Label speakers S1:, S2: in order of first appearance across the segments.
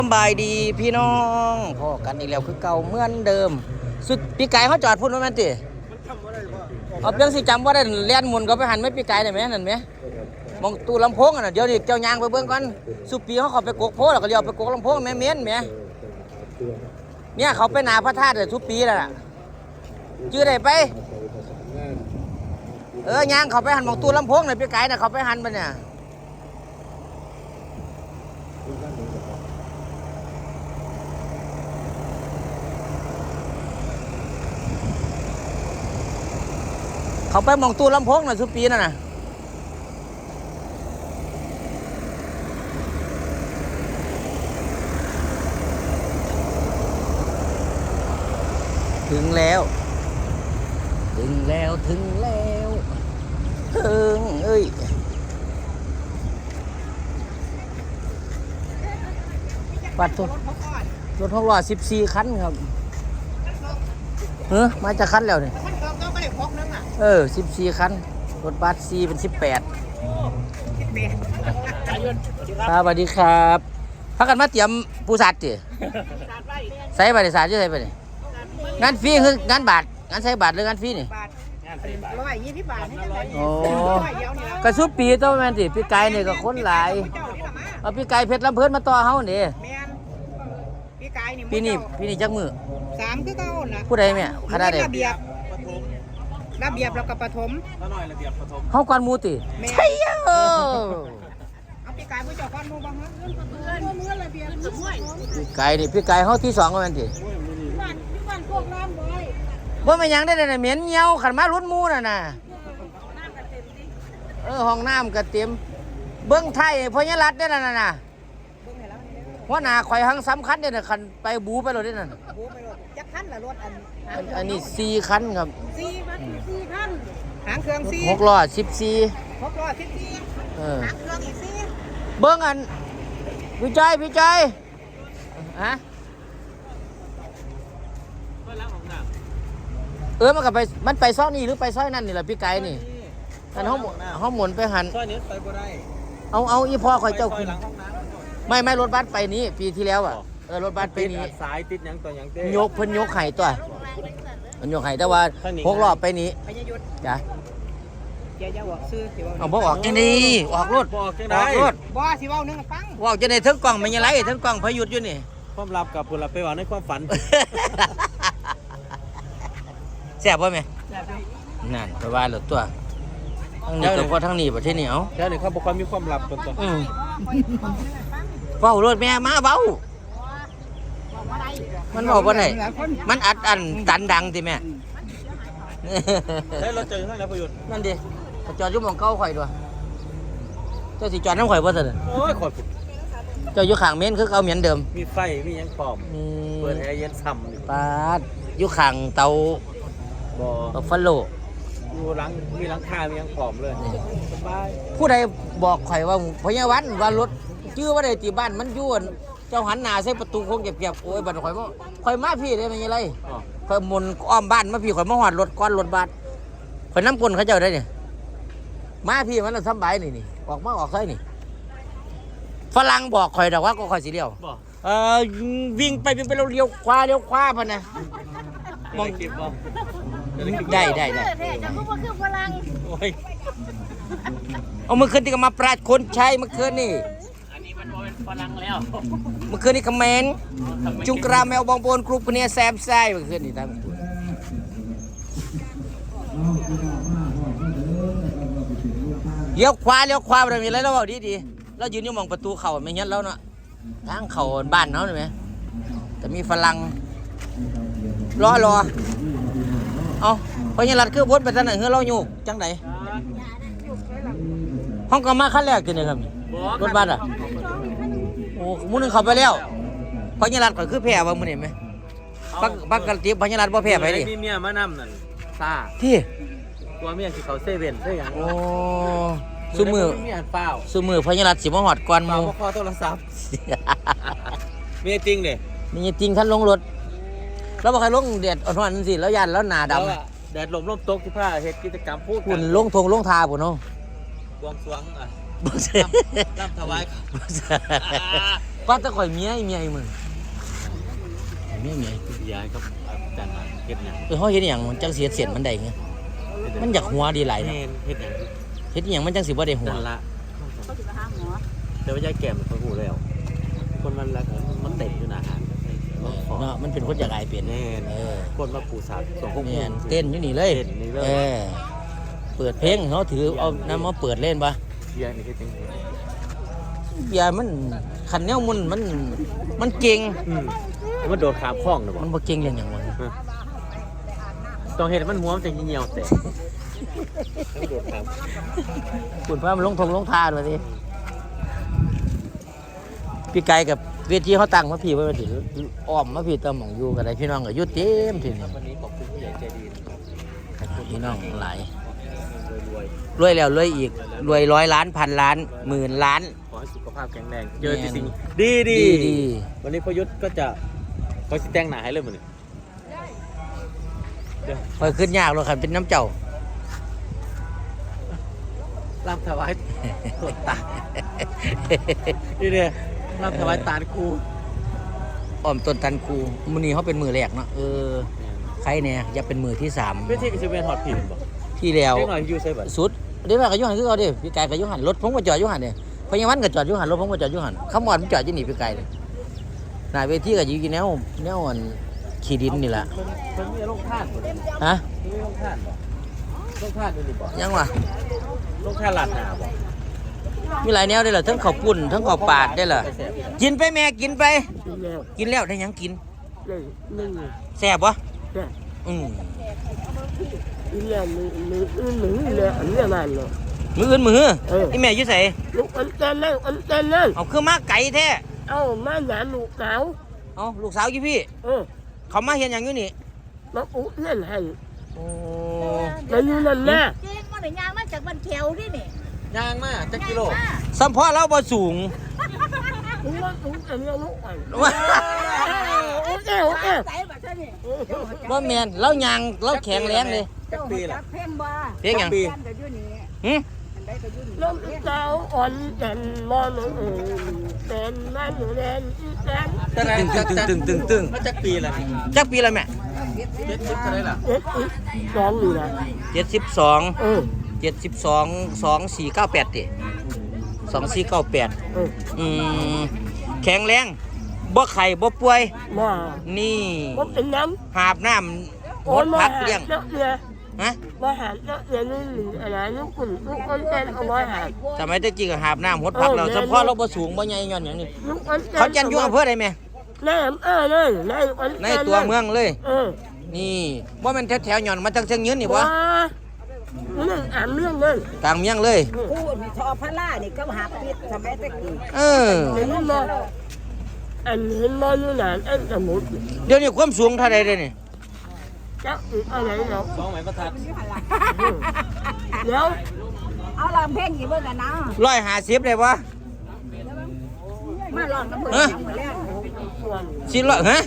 S1: สบายดีพี่น้องพอกันอีกแล้วคือเก่าเหมือนเดิมสุดปีไก่เขาจอดพุ่นว่าแม่นติเอาเพียงสิจำว่าได้เลียนหมุนก็ไปหันไม่ปีไก่ได้ไหมนั่นไหมมองตู้ลำโพงอ่ะเดี๋ยวนี้เจ้ายางไปเบิ่งก่อนสุปีเขาไปกกโพแล้วก็เลี้ยวไปกกลำโพงแม่เมียนแม่เนี่ยเขาไปหนาพระธาตุสุปีแล้วล่ะจื้อได้ไปยางเขาไปหันมองตู้ลำโพงน่ะปีไก่น่ะเขาไปหันไปเนี่ยเขาไปมองตู้ลำโพงน่ะสุปีนั่นน่ะถึงแล้วถึงแล้วถึงเอ้ยปัดตัวรถ6ล้อ14คันครับมาจากคันแล้วนี่14คันรถบัส4เป็น18ครับสวัสดีครับพักกันมาเตรียมปูสัตว์ดิใส่บาทใส่ใส่ไปนี่งานฟรีคืองานบาทงานใส่บาทหรืองานฟรีนี่
S2: 120 บาท
S1: โอ้กระซุบปีตัวแม่นสิพี่ไก่นี่ก็คนหลายเอาพี่ไก่เพชรลำเพิ่นมาต่อเฮานี่ปีนี้จักมือ
S2: 3คือเก่าน่ะ
S1: ผู้ใดแม่คณะใด
S2: ระเบียบแล้วก็ปฐม
S1: เฮาก่อนหมู่ติใช่
S2: เอาพี่ไก่ผู้เจ้าก่อนหมู่บ่ฮะมื้อระเบียบ
S1: พี่ไก่นี่พี่ไก่เฮาที่2ก็แม่นติ
S2: บ้านพวกน้ำบ่อย
S1: บ่แม่นหยังได้น่ะเหม็นเหี่ยวคันมารถหมู่น่ะห้องน้ำก็เต็มเบิ่งไทยพญารัตน์ได้นั่นน่ะหัวหน้าข่อยหังสำคัญเด้น่ะคันไปบูไปรถได้นั่น
S2: บูไปรถจักคันล่ะรถ
S1: อันนี้4คันครับ
S2: 4คันหางเครื่อง4
S1: 6ล้อ14
S2: 6ล้อ14หางเครื่องอีก4
S1: เบิ่งอันพี่ใจฮะมันก็ไปมันไปซ้อนี่หรือไปซ้อยนั่นนี่ล่ะพี่ไก่นี่อันเฮาหมุนไปหัน
S3: ซ้อยนี้ไปบ่ได้
S1: เอาอีพ่อข่อยเจ้าขึ้นไม่รถบัสไปนี้ปีที่แล้วอ่ะรถบัสไปนี้
S3: สายติดหยังตัวหยังเต้
S1: ยกเพิ่นยกไห้ตัวมันยกไห้แต่ว่า6รอบไปนี้จ้ะ
S2: เจ้าจะบอกซื้อสิว่า
S1: เอาบ่ออกจังได๋ออกรถ
S3: บอกจังได๋
S2: บ่สิเว้านึงฟัง
S1: ว่าจังได๋ถึงกล้องมันยังไงถึงกล้องพยุดอยู่นี่
S3: ความลับกับผู้ลับไปว่าในความฝัน
S1: แซ่บบ่แม่นั่นไปว่าแล้วตัวทั้งนี้ตัวทั้งนี้ประเทศนี้เอา
S3: แค่นี้เขาบอกว่ามีความลับตัว
S1: เว้ารถแม่มาเว้ามันบอกว่าไหนมันอัดตันดังติแม่
S3: ได้รถเจอทั้งแล้วประโยชน์
S1: นั่นดิจอดอยู่หม่องเก่าข่อยด้วยเจ้าสิจอดน้ำข่อยบ่ซั่น
S3: โอ้ยข่อย
S1: เจ้าอยู่ข้างเมนคือเก่าเหมือนเดิม
S3: มีไฟมีหยังปลอมเปิดแอร์เย็นช่ำ
S1: ปาดอยู่ข้างเตา
S3: บ่
S1: ฟัลโล
S3: อยู่หลังมีหลังคามีหยังปลอมเลยสบาย
S1: ผู้ใดบอกข่อยว่าพญาวันว่ารถชื่อว่าได้ที่บ้านมันอยู่เจ้าหันหน้าใส่ประตูคงเก็บโอ้ยบัดข่อยมาพี่ได้มันยังไงข่อยหมุนอ้อมบ้านมาพี่ข่อยมาหอดรถก้อนรถบัสข่อยน้ำกลนเขาเจ้าได้เนี่ยมาพี่มันสบายนี่ออกมาออกใส่นี่ฝรั่งบอกข่อยดอกว่าก็ข่อยสีเดียววิ่งไปเราเลี้ยวขวาพันนะ
S3: มองคลิปบ่
S1: ได้
S2: จะพูดว่าคือฝรั่ง
S1: เอามื่อคืนที่ก็มาปราดคนใช้เมื่อคืนนี่
S3: อันนี้มันเป็นฝรั่งแล้ว
S1: เมื่อคืนนี่คอมเมนต์จุงกราแมวบองโบนกรุ๊ปเนี่ยแซมไส้เมื่อคืนนี่ทั้งเลี้ยวขวาเรามีอะไรเราบอกดีเรายืนอยู่มองประตูเข่าไม่งั้นแล้วเนาะทางเข่าบ้านเขาเห็นไหมแต่มีฝรั่งรอเอาเพราะยังรัดคือพ้นไปทางไหนเฮ้ยเราอยู่จังไหนห้องก็มาขั้นแรกกันเลยครับรถบัสอ่ะโอ้มื้อนึงเขาไปแล้วเพราะยังรัดก็คือแพ้ว่ามื้อนี้ไหมปักกระติบเพราะยังรัดบ่แพ้ไปดิ
S3: มีเมียมานำนั่นซ่า
S1: ที่
S3: ตัวเมียสิเขาเซเว่นได้หยัง
S1: โอ้ซุมือเพราะยังรัดสิมาหอดก่อนหมู่
S3: พอโทรศัพท์มีจริงดิ
S1: มีจริงท่านลงรถแล้วบอกใครลงเด็ดอ่อนๆสิแล้วยันแล้วหนาด
S3: ำแดดลมตกที่ผ้าเหตุกิจกรรมพูด
S1: คุณลงทาปุ่นเนาะ
S3: บวงสรวง
S1: ร่ำ
S3: ถวาย
S1: ไปว่าแตะข่อยเมียอีมึงเมีย
S3: ย้ายครับอาจารย์มาเฮ็ดหยัง
S1: เฮาเฮ็ดหยังมันจังสิเสียนมันได้ไงมันอยากหัวดีหลาย
S3: เฮ็
S1: เนาะ
S3: ดเฮ็ดหยัง
S1: เฮ็ดหยังมันจังสิบ่ได้หัว
S3: นั่นละ
S2: เขาจะไปหาหมอ
S3: แต่ว่ายายแก้มคนหูแล้วคนมันรักมันเต็มอยู่หน้าหาดมันขอ
S1: เนาะมันเป็นคนอยากอายเป็น
S3: แน่น
S1: เออ
S3: คนมาปูสาดสองพวก
S1: เนี่ยเต้นอยู่นี่เลย
S3: เต้นนี่เลย
S1: เออเปิดเพลงเขาถือเอาน้ำมาเปิดเล่นปะ
S3: เบียร์นี่คือจริง
S1: เบียร์มันขันแนวมันเก่ง
S3: มันโดดขามคล้องนะบอ
S1: มันบ่เก่งอย่างอย่างวะ
S3: ต้องเห็นมันหัวมันจะเหี่ยวแต่มันโดดขาม
S1: คุณพระมันลงทานมาสิพี่ไก่กับเวทีเขาตั้งมาพี่ไว้มาถึงอ้อมมาพี่ตะหม่องอยู่กันได้พี่น้องก็อยุดเต็มทีนี้
S3: วันนี้ขอบคุณผู้ใหญ่ใจดีนะครับ
S1: พี่น้องหลาย
S3: รวย
S1: รวยแล้วรวยอีกรวย100 ล้านพันล้านหมื่นล้าน
S3: ขอให้สุขภาพแข็งแรงเจอแต่สิ่งดีดี
S1: ดี
S3: วันนี้พยุทธก็จะเขาสิแต่งหน้าให้เลยมันนี่
S1: คอยขึ้นยากเลยคันเป็นน้ำเจ้า
S3: รำถวายตดตานี่เนี่ยรำถวายตาลครู
S1: อ้อมต้นตันคูมื้อนี้เขาเป็นมือแรกเนาะใครเนี่ยอย่าเป็นมือที่3
S3: เพื่อที่จะเป็นฮอตผิดบ่
S1: ที่แล้ว
S3: เล็กหน่อยยูใช่ป่ะ
S1: สุดเดี๋ยวมากับยุหันคือเขาเด้พี่ไก่กับยุหันรถผมก็จอดยุหันเนี่ยพญาวันก็จอดยุหันรถผมก็จอดยุหันขมอดผมจอดอยู่นี่พี่ไก่เลยหน้าเวทีก็อยู่กี่แนวอันขี้ดินนี่แหละ
S3: มันมีโรคท่านบ่
S1: ฮะ
S3: มีโรคท่านบ่โรคท่านดูดิบ่
S1: ยังวะ
S3: โรคท่านหลาดหนาบ่
S1: มีหลายแนวได้เหรอทั้งข้าวปุ้นทั้งข้าวปาดได้เหรอกินไปแม่กินไป กินแล้วได้หยังกินแซ่บวะอืมมืออื่นมืออีแม่อยู่ไส
S4: ลูกอันเต้นเลยอันเต้นเลย
S1: เอาคือมาไก่แท้
S4: เอามาหนาลูกสาว
S1: เอาลูกสาวอยู่พี่ เขามาเห็นหยังอยู่นี่
S4: มาอุเล่นให้
S1: โอ้
S4: มาอยู่นั่นแน่
S2: เจ๊งมาหน่อยยางมาจากบ้านเขียวนี่นี่
S3: ยางมาจักกิโล
S1: สัมพอเราบ่สูง
S4: ลูกว่าลูกอันนี้ลูกอันโอ้
S2: ใส่แบบนี้
S1: บ่แม่นเรายางเราแข็งแรงเลย
S2: เจ้าจักเพ่งบ่
S1: เพียงหยัง
S2: กันก็อยู่นี่
S1: หึ
S2: อันใดก็อยู่นี่
S4: ลูกสาวอ่อนเต้นมอนเป็นมันเล่นเต้น
S1: ตึง
S3: มันจักปีละนี่
S1: จักปีละแม่
S3: เจ็ดสิบเท่าไหร่ล่ะ
S4: เอ็ดอีสองอยู่นะ
S1: 72 2498ติ2498แข็งแรงบ่ไข้บ่ป่วย
S4: มา
S1: นี่
S4: ผมเป็นน้
S1: หาบน้ำ
S4: ำ
S1: หมดพักเลี้ยง
S4: เนาะเนี่ย
S1: ฮะ
S4: มาหาเนาะเนี่ยนี่หรืออะไรลูกคุณลูกอันเต้นเอาไว้หา
S1: สมัยตะกี้ก็หาบน้ำหดพักเราสัมพอเราบ่สูงบ่ใหญ่ย้อนหยังนี่
S4: ลูกอันเต้น
S1: เขาจันอยู่อำเภอใดแม่
S4: ในเลยในอัน
S1: ในตัวเมืองเลย
S4: เออ
S1: นี่บ่แม่นแถวๆย้อนมาจังเชียงยืนนี่บ่
S4: เรื่องอ่านเรื่องเลย
S1: กลางเมียงเลย
S2: พูดทอพระล่านี่ก็หาปิดสมัยตะกี้
S1: เออ
S4: เห็นมาอันเห็นมาอยู่นานอันสมุด
S1: เดี๋ยวนี้ความสูงเท่าใดเด้นี่
S4: จะอะไรเนาะ
S3: สองไหมประทัด
S4: เดี๋ยว
S2: เอาลองเพลงกี่เบิ่งกันนะ
S1: 150ได้บ่
S2: มาลองกันเบิ่งอย่างมื้อแรก
S1: 400ฮะ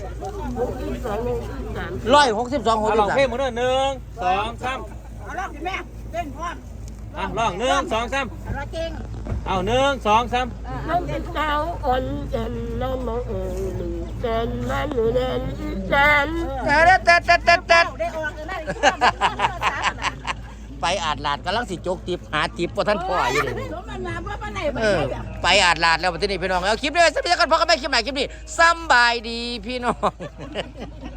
S1: 162
S3: เอาลองเพลง
S1: 63
S3: มาด้วย1 2 3
S2: เอาลองสิแม่เต้นพร้อม
S3: อ่ะลอง1 2 3
S2: เอาละเก่ง
S3: เอา1 2 3
S4: น้องเป็นสาวอ่อนเด่นน้องมองเด่นมันอยู่เด่นเด่น
S1: แต่
S2: ได้ออกกันได้
S1: ไปอาดลาดกำลังสิจกติบหาติบบ่ทันพ่ออยู่เลย
S2: มันมาเพราะปานไหนบ่
S1: เออ
S2: ได้
S1: ไปอาดลาดแล้วบัดนี้พี่น้องเอาคลิปด้วยสักนิดกันพอกันไม่คลิปใหม่คลิปนี้สำบายดีพี่น้อง